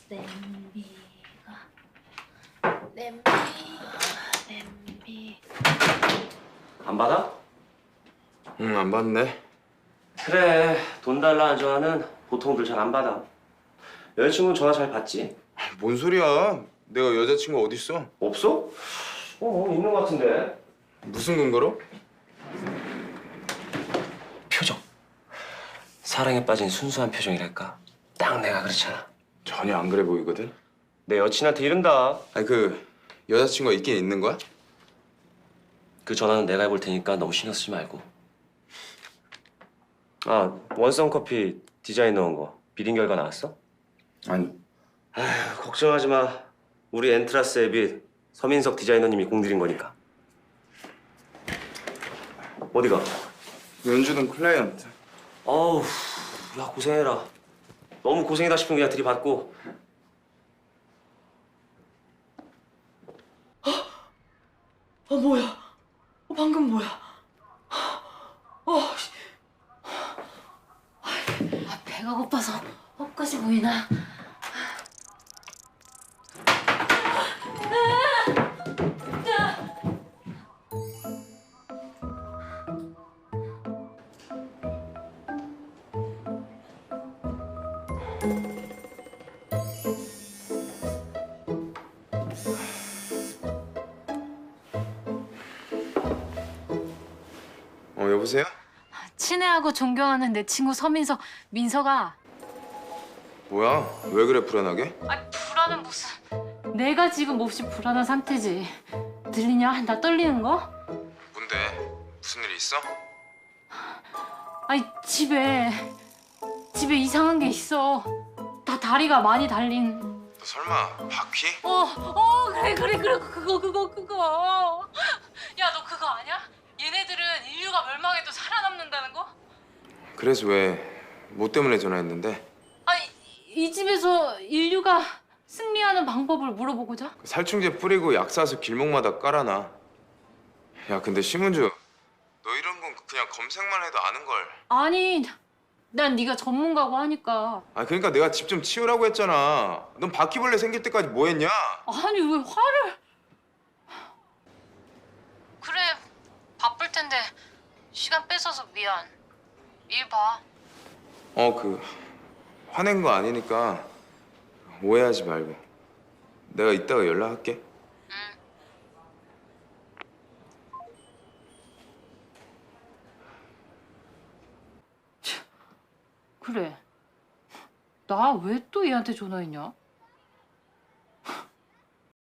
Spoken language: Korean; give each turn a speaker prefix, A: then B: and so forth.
A: 냄비.
B: 안 받아?
C: 응, 안 받네.
B: 그래, 돈 달라는 전화는 보통들 잘 안 받아. 여자친구는 전화 잘 받지?
C: 뭔 소리야? 내가 여자친구 어딨어?
B: 없어? 있는 것 같은데.
C: 무슨 근거로?
B: 표정. 사랑에 빠진 순수한 표정이랄까. 딱 내가 그렇잖아.
C: 전혀 안 그래 보이거든?
B: 내 여친한테 이른다.
C: 아니 여자친구가 있긴 있는 거야?
B: 그 전화는 내가 해볼 테니까 너무 신경 쓰지 말고. 아, 원성 커피 디자인 넣은 거 비린 결과 나왔어?
C: 아니,
B: 아휴, 걱정하지 마. 우리 엔트라스 앱이 서민석 디자이너님이 공들인 거니까. 어디가?
C: 연주동 클라이언트.
B: 어우, 야 고생해라. 너무 고생이다 싶으면 그냥 들이받고.
A: 뭐야? 방금 뭐야? 배가 고파서 헛것이 보이나?
C: 여보세요?
A: 친애하고 존경하는 내 친구 서민석, 민석아.
C: 뭐야? 왜 그래 불안하게?
A: 불안은 무슨. 내가 지금 몹시 불안한 상태지. 들리냐? 나 떨리는 거?
C: 뭔데? 무슨 일 있어?
A: 집에 이상한 게 있어. 다 다리가 많이 달린.
C: 너 설마 바퀴?
A: 그래 그거. 야, 너 그거 아냐? 얘네들은 인류가 멸망해도 살아남는다는 거?
C: 그래서 왜? 뭐 때문에 전화했는데?
A: 이 집에서 인류가 승리하는 방법을 물어보고자?
C: 살충제 뿌리고 약 사서 길목마다 깔아놔. 야, 근데 심은주, 너 이런 건 그냥 검색만 해도 아는 걸.
A: 아니, 난 네가 전문가고 하니까.
C: 그러니까 내가 집 좀 치우라고 했잖아. 넌 바퀴벌레 생길 때까지 뭐 했냐?
A: 아니, 왜 화를? 그래, 바쁠 텐데 시간 뺏어서 미안. 일 봐.
C: 화낸 거 아니니까 오해하지 말고. 내가 이따가 연락할게.
A: 그래. 나 왜 또 얘한테 전화했냐?